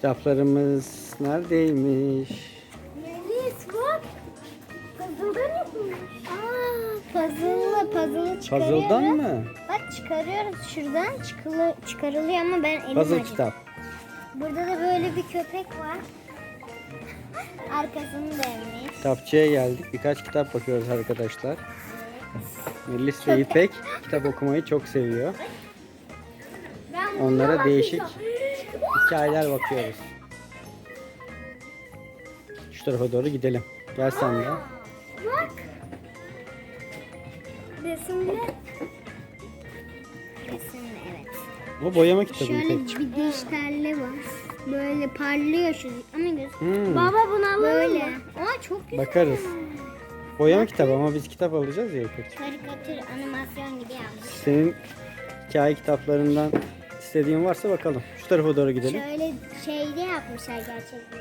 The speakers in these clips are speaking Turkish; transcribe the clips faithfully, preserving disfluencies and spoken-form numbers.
Kitaplarımız neredeymiş? Melis bak. Puzzle'dan yapılmış. Aa, puzzle'la puzzle'ı çıkarıyoruz. Puzzle'dan mı? Bak çıkarıyoruz şuradan çıkılı, çıkarılıyor ama ben elim Puzzle acıdı. kitap. Burada da böyle bir köpek var. Arkasını dönmüş. Kitapçıya geldik. Birkaç kitap bakıyoruz arkadaşlar. Melis ve İpek kitap okumayı çok seviyor. Ben buna Onlara değişik bakacağım. hikayeler bakıyoruz. Şu tarafa doğru gidelim. Gel sen de. Bak. Resimli. Resimli evet. O boyama kitabı Şöyle İpek. bir dijitalli var. Böyle parlıyor şu ama göz. Hmm, Baba bunu alalım Böyle. Aa çok güzel. bakarız. Boyama kitabı ama biz kitap alacağız ya İpek. Karikatür animasyon gibi yapmış. Senin hikaye kitaplarından istediğin varsa bakalım. Şu tarafa doğru gidelim. Şöyle şeyde yapmışlar gerçekten.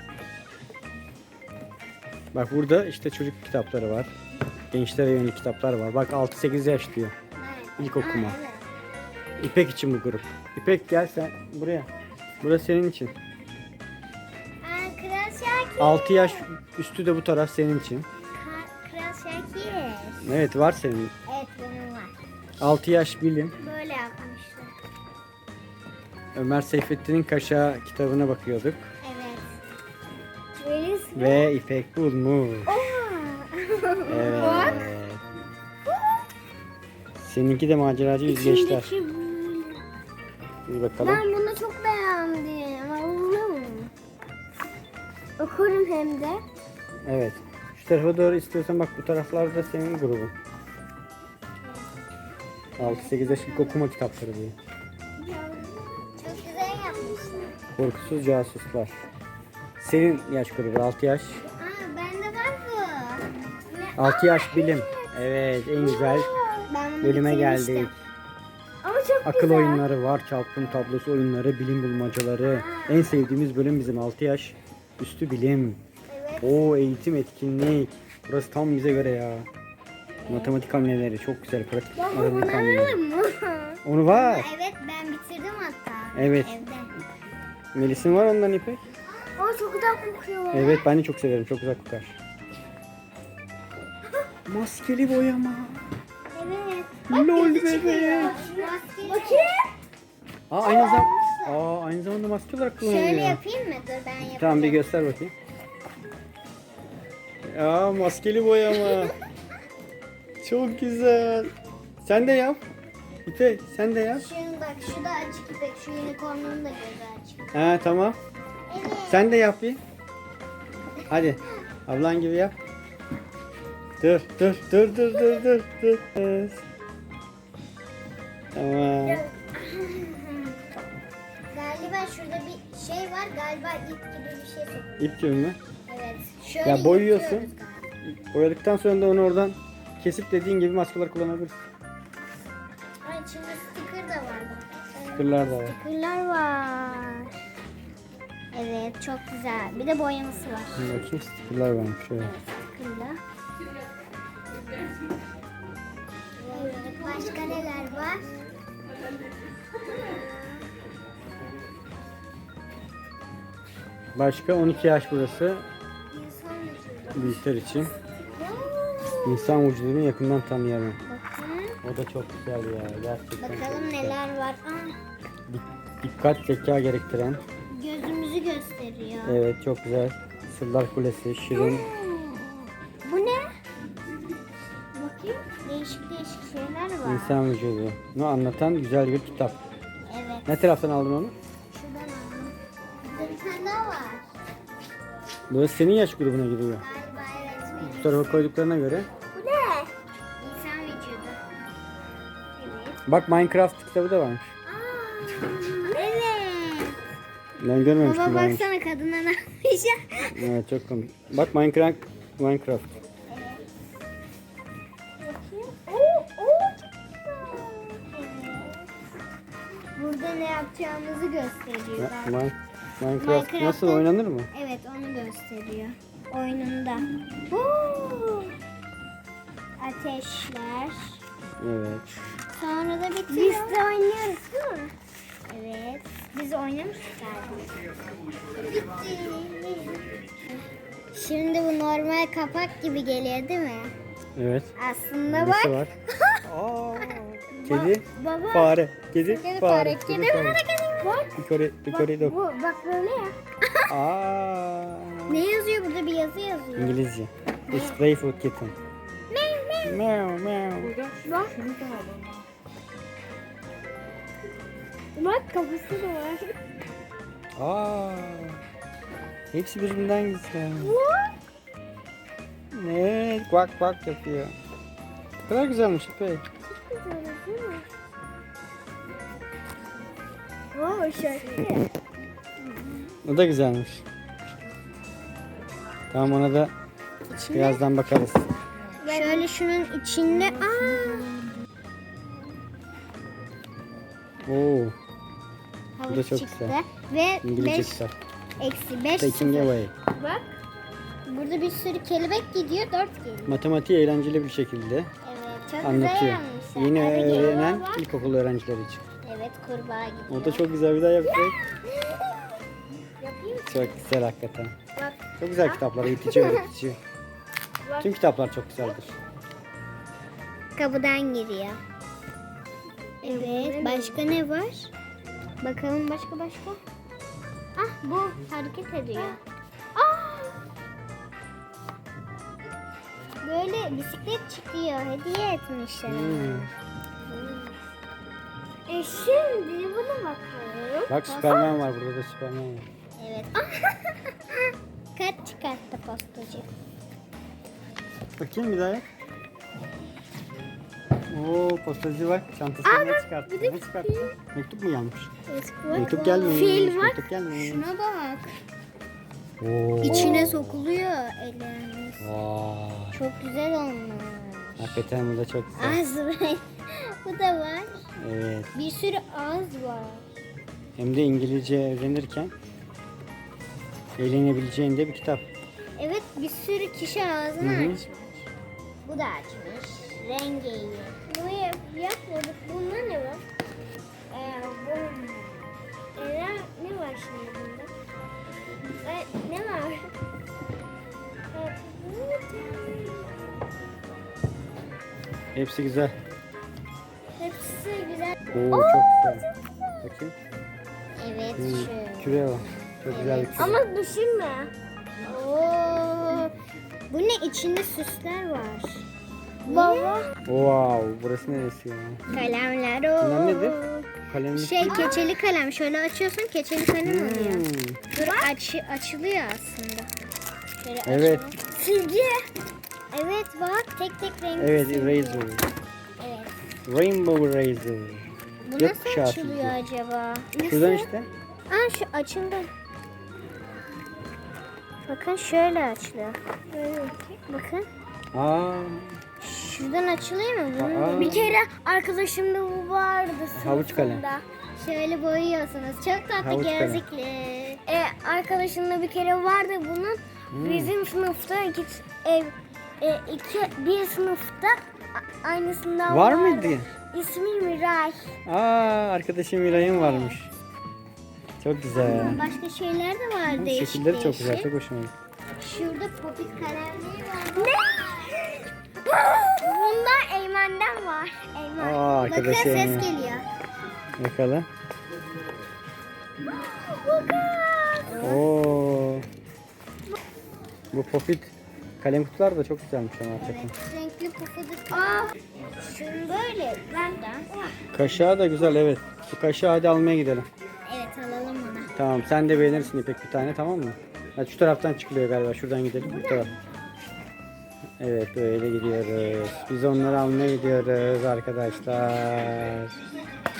Bak burada işte çocuk kitapları var. Gençlere yönelik kitaplar var. Bak altı sekiz yaş diyor. Evet. İlk okuma. Aa, evet. İpek için bu grup. İpek gel sen buraya. Burası senin için. Aa, Kral Şakir. altı yaş üstü de bu taraf senin için. Ka- Kral Şakir. Evet var senin. Evet benim var. altı yaş bilim. Böyle yapmışlar. Ömer Seyfettin'in Kaşağı kitabına bakıyorduk. Evet. Melis. Ve İpek bulmuş. Evet. Bak. Seninki de maceracı yüzgeçler. İçindeki böyle. Bir bakalım. Ben bunu çok beğendim. Allah'ım. Okurum hem de. Evet. Şu tarafa doğru istiyorsan bak bu taraflarda senin grubun. altı sekiz yaş ilk okuma kitapları diyor. Çok güzel yapmışlar. Korkusuz casuslar. Senin yaş grubu altı yaş. Aa bende var bu. Ne- altı yaş bilim. Evet en güzel Ben bunu bölüme bitirmiştim. geldik. Ama çok Akıl güzel. oyunları var, çarpım tablosu oyunları, bilim bulmacaları. En sevdiğimiz bölüm bizim altı yaş üstü bilim. Evet. O eğitim etkinlik. Burası tam bize göre ya. Matematik hamleleri çok güzel. Pratik Baba bunu matematik hamleleri. alalım mı? Onu var. Evet ben bitirdim hatta. Evet. Evde. Melis'in var ondan İpek. O çok güzel kokuyor. Evet ben de çok severim. Çok güzel kokar. Maskeli boyama. Evet. Lol gözü çıkıyor. bebek. Maskeli. Bakayım. Aa aynı zamanda Aa aynı zamanda maske olarak kullanılıyor. Şöyle yapayım mı? Dur ben yapayım. Tamam bir göster bakayım. Ya maskeli boyama. Çok güzel. Sen de yap. İpek sen de yap. Şunu bak şu da açık ipek. Şu unicornun da gözü açık. Ha tamam. Evet. Sen de yap bir. Hadi. Ablan gibi yap. Dur dur dur dur dur dur dur. Evet. Tamam. Galiba şurada bir şey var. Galiba ip gibi bir şey sokuyor. İp gibi mi? Evet. Şöyle Ya boyuyorsun. yırtıyoruz galiba. Boyadıktan sonra da onu oradan kesip dediğin gibi maskeler kullanabilirsin. Ay içinde sticker da var. bak. Stickerlar da var. Stickerlar var. Evet çok güzel. Bir de boyaması var. Şimdi bakayım stickerlar varmış. Şöyle. Stickerla. Evet, başka neler var? Başka on iki yaş burası. İnsan vücudu. Büyükler için. Wow. İnsan vücudunu yakından tanıyalım. Bakın. O da çok güzel ya. Gerçekten çok Bakalım güzel. neler var. Aa, Dik- Dikkat zeka gerektiren. gözümüzü gösteriyor. Evet çok güzel. Sırlar Kulesi, Şirin. Bu ne? Bakayım. Değişik değişik şeyler var. İnsan vücudu. Bunu anlatan güzel bir kitap. Evet. Ne taraftan aldın onu? Şuradan aldım. Burada bir tane daha var. Burası senin yaş grubuna giriyor. Galiba evet. Bu tarafa koyduklarına göre. Bu ne? İnsan vücudu. Evet. Bak Minecraft kitabı da varmış. Aa, evet. Ben görmemiştim. Baba ben. baksana kadına ne yapmış ya. Evet çok komik. Bak Minecraft. Minecraft. Bakayım. Oo, oo, çok güzel. Evet. Burada ne yapacağımızı gösteriyor. Ya, Bak. Min- Minecraft Minecraft'ta- nasıl oynanır mı? Evet onu gösteriyor. Oyununda. Oo. Ateşler. Evet. Sonra da bitiyor. Biz de oynuyoruz değil mi? Evet. Biz oynamıştık galiba. Bitti. Şimdi bu normal kapak gibi geliyor değil mi? Evet. Aslında Nesi bak. var? Aa, kedi, Baba. fare, kedi, Kedi fare, fare. Kedi fare. Kedi fare. Yukarı, yukarı dök. Bu bak böyle ya. Aa, Ne yazıyor burada? Bir yazı yazıyor. İngilizce. It's playful kitten. Ne ne? Meow meow. Burada Bak. şunu da alalım. Bak kafası da var. Aa, hepsi birbirinden güzel. Evet, bak bak yapıyor. Ne kadar güzelmiş İpek. Oo şarkı. O da güzelmiş. Tamam, ona da İçinde. birazdan bakarız. Şöyle şunun içinde. Aa. Oo, Bu da Havuç çok çıktı. güzel. Ve İngilizce beş kitap. eksi beş. Taking away. Bak. Burada bir sürü kelebek gidiyor. Dört geliyor. Matematiği eğlenceli bir şekilde Evet. Çok güzel anlatıyor. yapmışlar. Yeni Hadi gel. öğrenen Bak. ilkokul öğrencileri için. Evet, kurbağa gidiyor. O da çok güzel, bir daha yapacak. Yapayım mı? Çok güzel hakikaten. Bak. Çok güzel kitaplar, eğitici, öğretici. Bak. Tüm kitaplar çok güzeldir. Kapıdan giriyor. Evet. Başka ne var? Bakalım başka başka. Ah, bu hareket ediyor. Ah! Böyle bisiklet çıkıyor. Hediye etmişler. Hmm. E şimdi buna bakalım. Bak, Süperman var, burada da Süperman var. Evet. Kart çıkarttı postacı. Bakayım bir daha yap. Oo, postacı bak, çantasından ne çıkarttı? Ne çıkarttı? Mektup mu gelmiş? Mektup gelmemiş. Fil var. Mektup gelmemiş. Şuna bak. Oo. İçine sokuluyor ellerimiz. Vay. Çok güzel olmuş. Hakikaten bu da çok güzel. Ağız var. Bu da var. Evet. Bir sürü ağız var. Hem de İngilizce öğrenirken eğlenebileceğin de bir kitap. Evet, bir sürü kişi ağzını Hı hı. açmış. Bu da açmış. Rengi iyi. Bunu yap, yapmadık. Bunda ne var? Ee, bu... Ee, ne var şimdi bunda? Ee, ne var? Ee, Hepsi güzel. Hepsi güzel. Oo, çok güzel. Bakayım. Evet, Hmm, şu. küre var. Çok güzel bir küre. Ama düşünme. Oo. Bu ne? İçinde süsler var. Baba. Wow, burası neresi ya? Kalemler. Bunlar Oo. nedir? Kalemlik. Şey, keçeli kalem. Şöyle açıyorsun, keçeli kalem oluyor. Hmm. Dur, aç, açılıyor aslında. Şöyle Evet. açalım. Silgi. Evet bak, tek tek renkli Evet, silgi. eraser. Evet. Rainbow eraser. Bu Gökkuşağı nasıl açılıyor silgi. acaba? Şuradan işte. Aa, şu açıldı. Bakın şöyle açılıyor. Bakın. Aa, Şuradan açılıyor mu? Bunun Aa. bir kere arkadaşımda bu vardı sınıfında. Havuç kalem. Şöyle boyuyorsunuz. Çok tatlı Havuç kalem. gözlüklü. E, arkadaşımda bir kere vardı bunun. Hmm. Bizim sınıfta iki, ev, e, iki, bir sınıfta a- aynısından var vardı. mıydı? İsmi Miray. Aa, arkadaşım Miray'ın varmış. Çok güzel. Başka şeyler de var Bu değişik şekilleri çok güzel, değişik. çok hoşuma gitti. Şurada popit kalemliği var. Ne? Bunda Eymen'den var. Eymen. Aa, Bakın arkadaş ses Eymen. geliyor. Bakalım. Bakın. Oo. Bu popit kalem kutular da çok güzelmiş ama hakikaten. Evet, renkli pufuduk. Aa, şunu böyle benden. Kaşığı da güzel, evet. Bu kaşığı hadi almaya gidelim. Evet, alalım onu. Tamam, sen de beğenirsin İpek bir tane, tamam mı? Hadi şu taraftan çıkılıyor galiba, şuradan gidelim. Bu taraf. Evet, böyle gidiyoruz. Biz onları almaya gidiyoruz arkadaşlar.